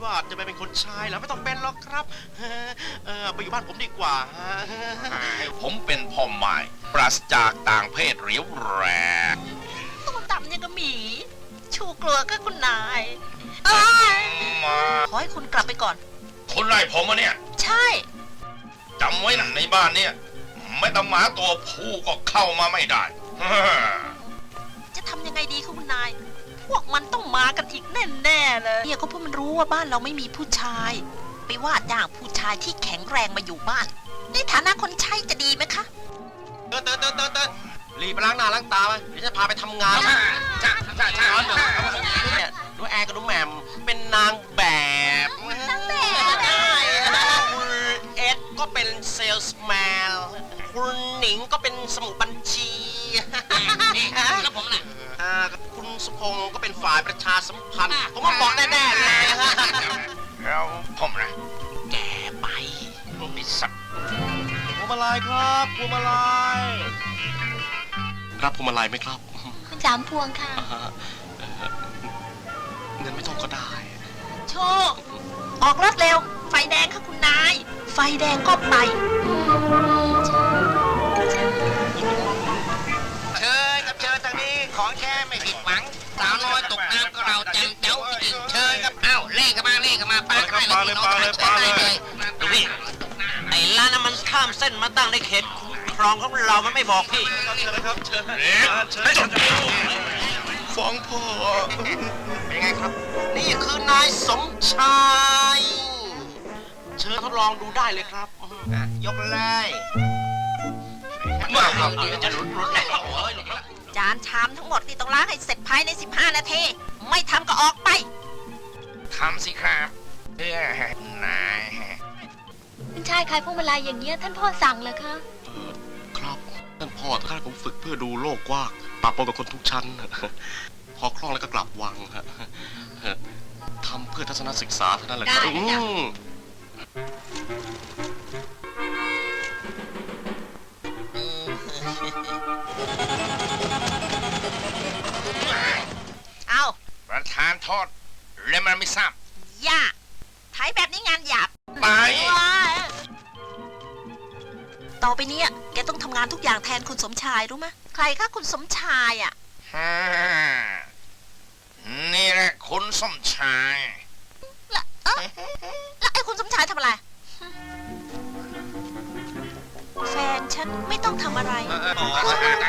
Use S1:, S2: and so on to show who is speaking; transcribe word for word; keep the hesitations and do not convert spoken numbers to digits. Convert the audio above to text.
S1: ว่าจะไปเป็นคนชายแล้วไม่ต้องเป็นหรอกครับเออไปอยู่บ้านผมดีกว่าฮะ
S2: ผมเป็นพ่อไม้ปราศจากต่างเพศเรียวแรง
S3: ตัวต่ำยังกับหมี ชูกลัวก็คุณนายเอ้ย
S2: มา
S3: ขอให้คุณกลับไปก่อน
S2: คุณไล่ผมมาเนี่ย
S3: ใช่
S2: จำไว้นะในบ้านเนี่ยไม่ต้องหมาตัวผู้ก็เข้ามาไม่ได้
S3: จะทำยังไงดีคะคุณนาย พวกมันต้องมากันอีกแน่ๆเลยเนี่ยก็เพราะมันรู้ว่าบ้านเราไม่มีผู้ชาย ไปว่าจ้างผู้ชายที่แข็งแรงมาอยู่บ้าน ในฐานะคนใช้จะดีไหมคะ
S1: เติร์นเติร์นเติร์นเติร์นเติร์นรีบไปล้างหน้าล้างตาไปเดี๋ยวจะพาไปทำงาน
S2: จ้าจ้าจ้าจ้า
S1: เนี่ยดูแอร์กับดูแหม่มเป็นนางแบบ
S3: นางแบบ
S1: ได้คุณเอ็ดก็เป็นเซลส์แมนคุณหนิงก็เป็นสมุดบัญชี
S2: แล้วผมล่ะ
S1: อ่าคุณสุพงศ์ก็เป็นฝ่ายประชาสัมพันธ์ผมว่าบอกแน่ๆเลยฮะ
S2: แล้วผมนะ
S1: แกไป
S2: ไอ้สัตว์
S1: พวงมาลัยครับพวงมาลัยรับพวงมาลัยไหมครับ
S4: คุณสามพวงค่ะ
S1: เงินไม่ต้องก็ได้
S3: โชค ออกรถเร็ว ไฟแดงค่ะคุณนาย ไฟแดงก็ไป
S1: เชิญครับเชิญทางนี้ของแค่ไม่ผิดหวังสาวน้อยตกน้ำก็เราจังเจ้าจริงเชิญครับ
S2: เอ้าเล่กันมาเล่กันมาปากัน
S1: ปาเลยปาเลยปาเลย
S2: ดูพี่
S5: ไอ้ร้านนั้นมันข้ามเส้นมาตั้งในเขตครองของเรามันไม่บอกพี่
S1: เชิญนะครับเชิญ
S2: เอ๊ะ
S1: เชิญ
S2: ไม่จบ
S1: ฟ้องพ่อเป็นไงครับ นี่คือนายสมชาย เชิญทดลองดูได้เลยครับอ่ะยกเลย
S2: มาเอาเดี๋ยวจะหลุดหลุดแล้วโอ้ยหลุดแล้ว
S3: จานชามทั้งหมดนี่ต้องล้างให้เสร็จภายในสิบห้านาที ไม่ทำก็ออกไป
S2: ทำสิครับเพื่อให้นาย
S4: คุณชายขายพวงมาลัยอย่างเงี้ยท่านพ่อสั่งเหรอคะ
S1: ครับท่านพ่อท่านผมฝึกเพื่อดูโลกกว้างปะปนกับคนทุกชั้น พอคล่องแล้วก็กลับวังฮะทำเพื่อทัศนศึกษาเท่านั้นแหละครับ
S3: ได้จ้ะ
S1: อืม
S3: เอา
S2: ประธานโทษและมันไม่ทราบ
S3: อย่าไถแบบนี้งานหยาบ
S2: ไป
S3: ว้ายต่อไปเนี้ยแกต้องทำงานทุกอย่างแทนคุณสมชายรู้ไหมใครคะคุณสมชายอ่ะ
S2: ฮ่านี่แหละคุณสมชาย
S3: แล้วเอ๊ะแล้วไอ้คุณสมชายทำอะไร แฟนฉันไม่ต้องทำอะไร
S1: เออเออ